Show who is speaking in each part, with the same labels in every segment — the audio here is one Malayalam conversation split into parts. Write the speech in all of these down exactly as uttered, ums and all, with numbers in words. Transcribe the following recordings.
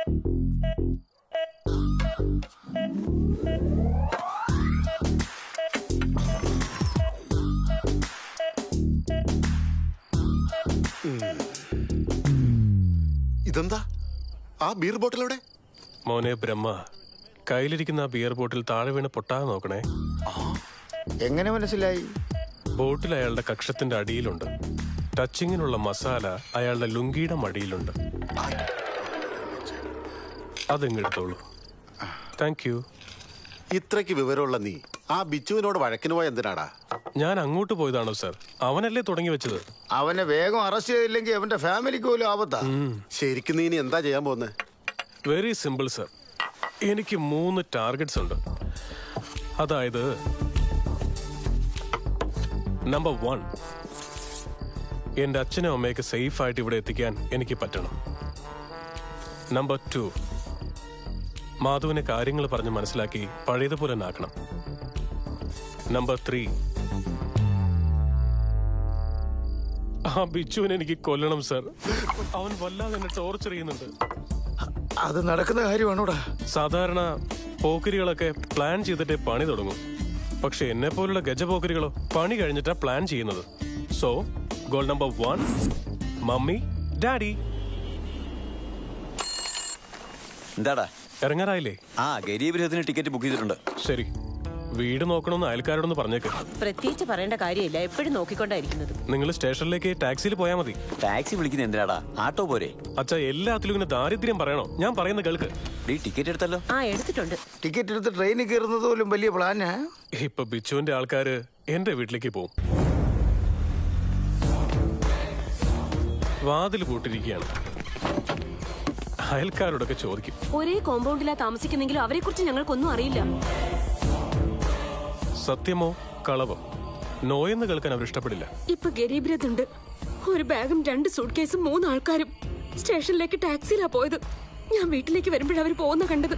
Speaker 1: ഇതെന്താ ആ ബിയർ ബോട്ടിലൂടെ?
Speaker 2: മോനെ ബ്രഹ്മ, കയ്യിലിരിക്കുന്ന ആ ബിയർ ബോട്ടിൽ താഴെ വീണ് പൊട്ടാതെ നോക്കണേ.
Speaker 3: എങ്ങനെ മനസ്സിലായി?
Speaker 2: ബോട്ടിൽ അയാളുടെ കക്ഷത്തിന്റെ അടിയിലുണ്ട്. ടച്ചിങ്ങിനുള്ള മസാല അയാളുടെ ലുങ്കിയുടെ മടിയിലുണ്ട്. അതെങ്ങെടുത്തോളൂ. Thank you.
Speaker 1: ഇത്രയ്ക്ക് വിവരമുള്ള നീ ആ ബിച്ചുവിനോട് വഴക്കിന് പോയ എന്തിനാടാ?
Speaker 2: ഞാൻ അങ്ങോട്ട് പോയതാണോ സർ? അവനല്ലേ തുടങ്ങി വെച്ചത്.
Speaker 3: അവനെ വേഗം അറസ്റ്റ് ചെയ്തില്ലെങ്കിൽ അവന്റെ ഫാമിലിക്ക് പോലും ആപത്താ.
Speaker 1: ശരിക്കും നീ ഇനി എന്താ ചെയ്യാൻ പോകുന്നത്?
Speaker 2: Very simple sir. എനിക്ക് മൂന്ന് ടാർഗറ്റ്സ് ഉണ്ട്. അതായത് നമ്പർ വൺ, എന്റെ അച്ഛനും അമ്മയൊക്കെ സേഫ് ആയിട്ട് ഇവിടെ എത്തിക്കാൻ എനിക്ക് പറ്റണം. നമ്പർ ടു, മാധുവിനെ കാര്യങ്ങൾ പറഞ്ഞ് മനസ്സിലാക്കി പഴയതുപോലെ ആക്കണം. നമ്പർ ത്രീ, ആ ബിച്ചുവിനെ എനിക്ക് കൊല്ലണം സർ. അവൻ വല്ലാതെ എന്നെ ടോർച്ചർ ചെയ്യുന്നുണ്ട്.
Speaker 3: അത് നടക്കുന്ന കാര്യമാണോടാ?
Speaker 2: സാധാരണ പോക്കരികളൊക്കെ പ്ലാൻ ചെയ്തിട്ടേ പണി തുടങ്ങും. പക്ഷെ എന്നെ പോലുള്ള ഗജപോക്കരികളോ പണി കഴിഞ്ഞിട്ടാ പ്ലാൻ ചെയ്യുന്നത്. So goal number one, mummy daddy.
Speaker 4: എന്താടാ
Speaker 2: ഇറങ്ങാറായില്ലേ?
Speaker 4: ആ ഗരീബ് ടിക്കറ്റ് ബുക്ക് ചെയ്തിട്ടുണ്ട്.
Speaker 2: ശരി, വീട് നോക്കണമെന്ന് അയൽക്കാരോടൊന്ന് പറഞ്ഞേക്ക്.
Speaker 5: പ്രത്യേകിച്ച് പറയേണ്ട കാര്യമില്ല, എപ്പോഴും നോക്കിക്കൊണ്ടായിരിക്കുന്നത്.
Speaker 2: നിങ്ങൾ സ്റ്റേഷനിലേക്ക് ടാക്സിയിൽ പോയാൽ മതി.
Speaker 4: ടാക്സി വിളിക്കുന്ന എന്തിനാടാ? ആട്ടോ പോരെ?
Speaker 2: അച്ഛാ, എല്ലാത്തിലും ഇങ്ങനെ ദാരിദ്ര്യം പറയണോ? ഞാൻ പറയുന്ന കേൾക്ക്.
Speaker 4: നീ ടിക്കറ്റ് എടുത്തല്ലോ?
Speaker 5: ആ എടുത്തിട്ടുണ്ട്.
Speaker 3: ടിക്കറ്റ് എടുത്ത് ട്രെയിനിൽ കയറുന്നത് പോലും വലിയ പ്ലാനാ.
Speaker 2: ഇപ്പൊ ബിച്ചുവിന്റെ ആൾക്കാര് എന്റെ വീട്ടിലേക്ക് പോവും. വാതിൽ പൂട്ടിരിക്കുകയാണ്. അയൽക്കാരോടൊക്കെ ചോദിക്കും.
Speaker 6: ഒരേ കോമ്പൗണ്ടിലാ താമസിക്കുന്നെങ്കിലും അവരെ കുറിച്ച് ഞങ്ങൾക്കൊന്നും അറിയില്ല.
Speaker 2: സത്യമോ കളവോ നോയെന്ന് കേൾക്കാൻ അവർ ഇഷ്ടപ്പെടില്ല.
Speaker 6: ഇപ്പൊ ഗരീബ് രഥ് ഉണ്ട്. ഒരു ബാഗും രണ്ട് സൂട്ട് കേസും മൂന്ന് ആൾക്കാരും സ്റ്റേഷനിലേക്ക് ടാക്സിയിലാ പോയത്. ഞാൻ വീട്ടിലേക്ക് വരുമ്പോഴാണ് അവർ പോകുന്ന കണ്ടത്.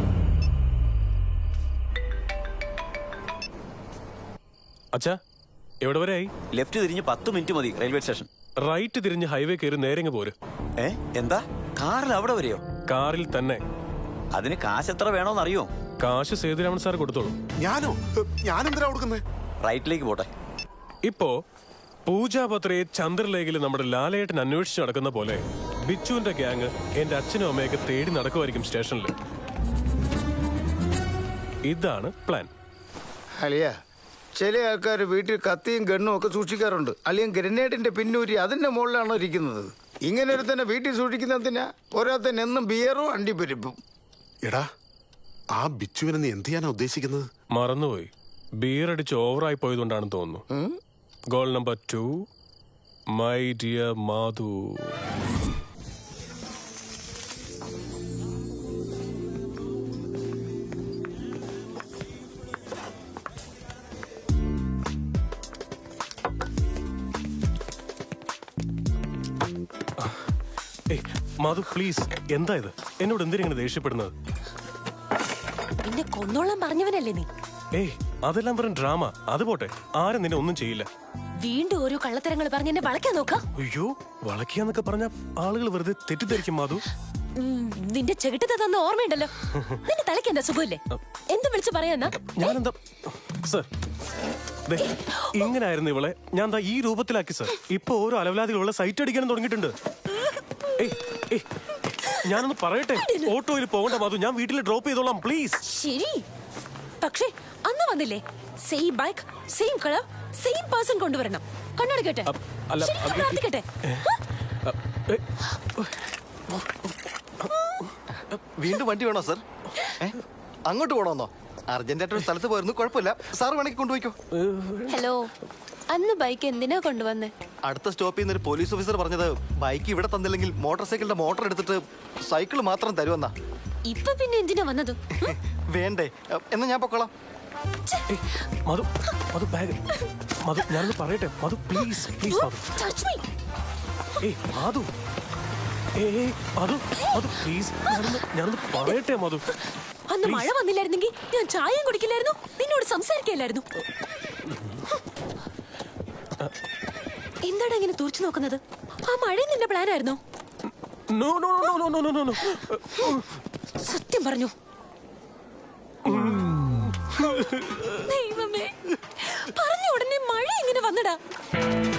Speaker 2: അച്ഛാ, എവിടെ വരെ ആയി?
Speaker 4: ലെഫ്റ്റ് തിരിഞ്ഞ് പത്ത് മിനിറ്റ് മതി റെയിൽവേ സ്റ്റേഷൻ.
Speaker 2: റൈറ്റ് തിരിഞ്ഞ് ഹൈവേ കയറി നേരെങ്ങ് പോര്.
Speaker 4: ഏ എന്താ കാറിൽ അവിടെ വരെയോ?
Speaker 2: കാറിൽ തന്നെ.
Speaker 4: അതിന് കാശ് എത്ര വേണോന്ന് അറിയോ?
Speaker 2: കാശ് സേതുരാമൻ സാർ കൊടുത്തോളൂ.
Speaker 1: ഞാനോ? ഞാനെന്തിനാ കൊടുക്കുന്നത്?
Speaker 4: റൈറ്റിലേക്ക് പോട്ടെ.
Speaker 2: ഇപ്പോ പൂജാപത്രയെ ചന്ദ്രലേഖയിൽ നമ്മുടെ ലാലേട്ടൻ അന്വേഷിച്ച് നടക്കുന്ന പോലെ ബിച്ചുവിന്റെ ഗ്യാങ് എന്റെ അച്ഛനും അമ്മയൊക്കെ തേടി നടക്കുമായിരിക്കും സ്റ്റേഷനിൽ. ഇതാണ് പ്ലാൻ.
Speaker 3: അലിയ, ചില ആൾക്കാർ വീട്ടിൽ കത്തിയും ഗണ്ണും ഒക്കെ സൂക്ഷിക്കാറുണ്ട്. അല്ലെങ്കിൽ ഗ്രനേഡിന്റെ പിന്നൂരി അതിന്റെ മുകളിലാണോ ഇരിക്കുന്നത്. ഇങ്ങനെ ഒരു തന്നെ വീട്ടിൽ സൂക്ഷിക്കുന്നതിനാ പോരാത്തന്നെ എന്നും ബിയറും അണ്ടിപ്പരിപ്പും.
Speaker 1: എടാ, ആ ബിച്ചുവിനെ നീ എന്ത് ചെയ്യാനാ ഉദ്ദേശിക്കുന്നത്?
Speaker 2: മറന്നുപോയി. ബിയർ അടിച്ച് ഓവറായി പോയതുകൊണ്ടാണെന്ന് തോന്നുന്നു. Goal number two, my dear Madhu. ഏയ് മാധു, പ്ലീസ്. എന്താ ഇത്? എന്നോട് എന്തിനാ ദേഷ്യപ്പെടുന്നത്?
Speaker 6: എന്നെ കൊന്നോളാൻ പറഞ്ഞവനല്ലേ നീ?
Speaker 2: ഏയ് അതെല്ലാം വെറും ഡ്രാമ. അത് പോട്ടെ, ആരും നിന്നെ ഒന്നും ചെയ്യില്ല.
Speaker 6: വീണ്ടും ഓരോ കള്ളത്തരങ്ങൾ പറഞ്ഞ് എന്നെ വളയ്ക്കാൻ നോക്കാം.
Speaker 2: അയ്യോ, വളയ്ക്കാന്നൊക്കെ പറഞ്ഞ ആളുകൾ വെറുതെ തെറ്റിദ്ധരിക്കും മാധു.
Speaker 6: നിന്റെ ചെകിട്ടത്തെ തന്ന ഓർമ്മയുണ്ടല്ലോ. നിന്റെ തലയ്ക്ക് എന്താ സുഖമില്ലേ? എന്തും വിളിച്ചു പറയാന്നാ?
Speaker 2: ഞാനെന്താ സർ, ഇങ്ങനായിരുന്നു ഇവളെ ഞാൻ ദാ ഈ രൂപത്തിലാക്കി സർ. ഇപ്പൊ ഓരോ അലവലാദികളുള്ള സൈറ്റ് അടിക്കാനും തുടങ്ങിയിട്ടുണ്ട്. ഏയ് ഏയ് ഞാനൊന്ന് പറയട്ടെ. ഓട്ടോയിൽ പോകണ്ട മാധു, ഞാൻ വീട്ടിൽ ഡ്രോപ്പ് ചെയ്തോളാം പ്ലീസ്.
Speaker 6: ശരി, പക്ഷേ അന്ന് വന്നില്ലേ same bike same colour same person കൊണ്ടുവരണം. കണ്ണടക്കട്ടെ? പ്രാർത്ഥിക്കട്ടെ?
Speaker 7: വീണ്ടും വണ്ടി വേണോ സർ? അങ്ങോട്ട് പോണോന്നോ? അർജന്റായിട്ടൊരു സ്ഥലത്ത് പോയിരുന്നു. കുഴപ്പമില്ല, സാർ വേണമെങ്കിൽ കൊണ്ടുപോയിക്കോ.
Speaker 6: ഹലോ, അന്ന് ബൈക്ക് എന്തിനാ കൊണ്ടുവന്നേ?
Speaker 7: അടുത്ത സ്റ്റോപ്പിൽ നിന്ന് ഒരു പോലീസ് ഓഫീസർ പറഞ്ഞത് ബൈക്ക് ഇവിടെ തന്നില്ലെങ്കിൽ മോട്ടോർ സൈക്കിളിന്റെ മോട്ടർ എടുത്തിട്ട് സൈക്കിൾ മാത്രം തരുമെന്നാ.
Speaker 6: ഇപ്പൊ പിന്നെ എന്തിനാ വന്നത്?
Speaker 7: വേണ്ടേ? എന്നാ ഞാൻ പൊക്കോളാം.
Speaker 2: മധു, മധു ബാഗ്. മധു, ഞാനൊന്ന് പറയട്ടെ മധു, പ്ലീസ് പ്ലീസ് മധു. ഏയ് മധു, ഏയ് മധു, മധു പ്ലീസ്, ഞാനൊന്ന് ഞാനൊന്ന് പറയട്ടെ മധു.
Speaker 6: അന്ന് മഴ വന്നില്ലായിരുന്നെങ്കിൽ ഞാൻ ചായയും കുടിക്കില്ലായിരുന്നു, നിന്നോട് സംസാരിക്കില്ലായിരുന്നു. എന്താണ് ഇങ്ങനെ തുറച്ചു നോക്കുന്നത്? ആ മഴ നിന്റെ പ്ലാൻ ആയിരുന്നോ?
Speaker 2: No no no no no no no
Speaker 6: സത്യം പറഞ്ഞു. ദൈവമേ, പറഞ്ഞ ഉടനെ മഴ ഇങ്ങനെ വന്നടാ.